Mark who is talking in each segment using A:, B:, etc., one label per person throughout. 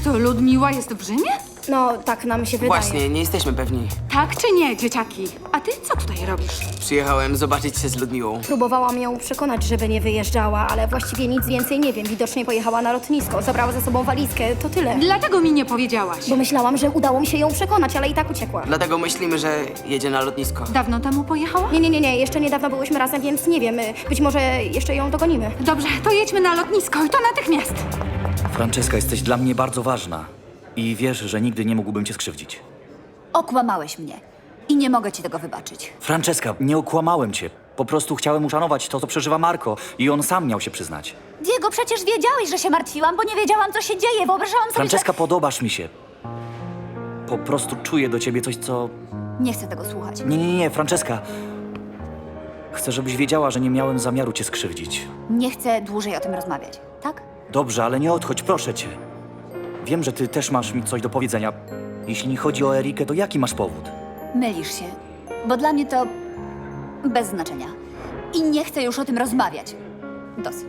A: to Ludmiła jest w Rzymie?
B: No, tak nam się wydaje.
C: Właśnie, nie jesteśmy pewni.
A: Tak czy nie, dzieciaki? A ty co tutaj robisz?
C: Przyjechałem zobaczyć się z Ludmiłą.
B: Próbowałam ją przekonać, żeby nie wyjeżdżała, ale właściwie nic więcej nie wiem. Widocznie pojechała na lotnisko, zabrała ze sobą walizkę, to tyle.
A: Dlatego mi nie powiedziałaś.
B: Bo myślałam, że udało mi się ją przekonać, ale i tak uciekła.
C: Dlatego myślimy, że jedzie na lotnisko.
A: Dawno temu pojechała?
B: Nie, jeszcze niedawno byłyśmy razem, więc nie wiem. Być może jeszcze ją dogonimy.
A: Dobrze, to jedźmy na lotnisko i to natychmiast.
D: Franceska, jesteś dla mnie bardzo ważna. I wiesz, że nigdy nie mógłbym cię skrzywdzić.
E: Okłamałeś mnie i nie mogę ci tego wybaczyć.
D: Franceska, nie okłamałem cię. Po prostu chciałem uszanować to, co przeżywa Marco. I on sam miał się przyznać.
E: Diego, przecież wiedziałeś, że się martwiłam, bo nie wiedziałam, co się dzieje. Wyobrażałam sobie,
D: Franceska, podobasz mi się. Po prostu czuję do ciebie coś, co...
E: że... Nie chcę tego słuchać.
D: Nie, Franceska. Chcę, żebyś wiedziała, że nie miałem zamiaru cię skrzywdzić.
E: Nie chcę dłużej o tym rozmawiać, tak?
D: Dobrze, ale nie odchodź, proszę cię. Wiem, że ty też masz mi coś do powiedzenia. Jeśli chodzi o Erikę, to jaki masz powód?
E: Mylisz się, bo dla mnie to bez znaczenia. I nie chcę już o tym rozmawiać. Dosyć.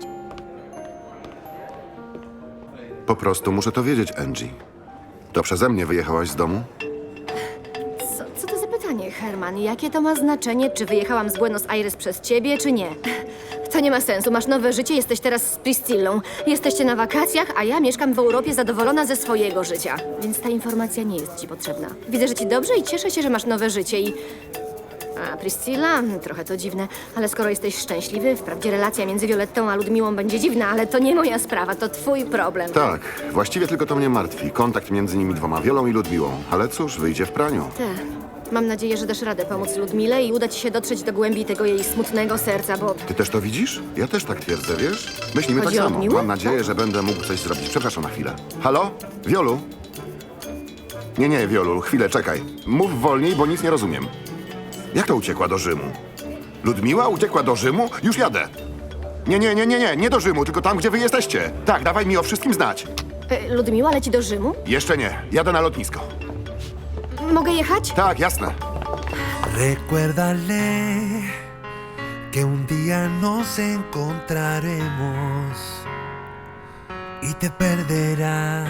F: Po prostu muszę to wiedzieć, Angie. To przeze mnie wyjechałaś z domu?
G: Co to za pytanie, Herman? Jakie to ma znaczenie, czy wyjechałam z Buenos Aires przez ciebie, czy nie? To nie ma sensu. Masz nowe życie, jesteś teraz z Priscillą. Jesteście na wakacjach, a ja mieszkam w Europie zadowolona ze swojego życia. Więc ta informacja nie jest ci potrzebna. Widzę, że ci dobrze i cieszę się, że masz nowe życie i... A Priscilla? Trochę to dziwne, ale skoro jesteś szczęśliwy, wprawdzie relacja między Violettą a Ludmiłą będzie dziwna, ale to nie moja sprawa, to twój problem.
F: Tak, właściwie tylko to mnie martwi. Kontakt między nimi dwoma, Wiolą i Ludmiłą. Ale cóż, wyjdzie w praniu.
G: Mam nadzieję, że dasz radę pomóc Ludmile i uda ci się dotrzeć do głębi tego jej smutnego serca, bo...
F: Ty też to widzisz? Ja też tak twierdzę, wiesz? Myślimy
G: Chodzi
F: tak
G: o
F: samo.
G: Ludmiłę?
F: Mam nadzieję, że będę mógł coś zrobić. Przepraszam na chwilę. Halo? Wiolu? Nie, Wiolu, chwilę, czekaj. Mów wolniej, bo nic nie rozumiem. Jak to uciekła do Rzymu? Ludmiła uciekła do Rzymu? Już jadę. Nie do Rzymu, tylko tam, gdzie wy jesteście. Tak, dawaj mi o wszystkim znać.
G: Ludmiła leci do Rzymu?
F: Jeszcze nie, jadę na lotnisko.
G: Mogę jechać?
F: Tak, jasne.
H: Recuérdale que un día nos encontraremos y te perderá.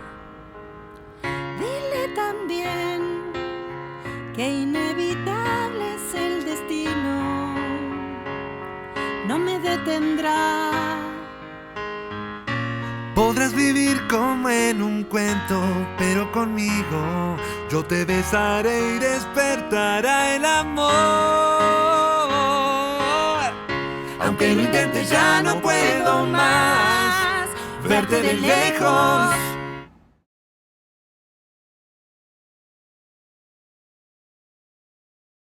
I: Dile también que inevitable es el destino, no me detendrá.
H: Podrás vivir como en un cuento, pero conmigo yo te besaré y despertará el amor. Aunque lo intentes ya no puedo más verte de lejos.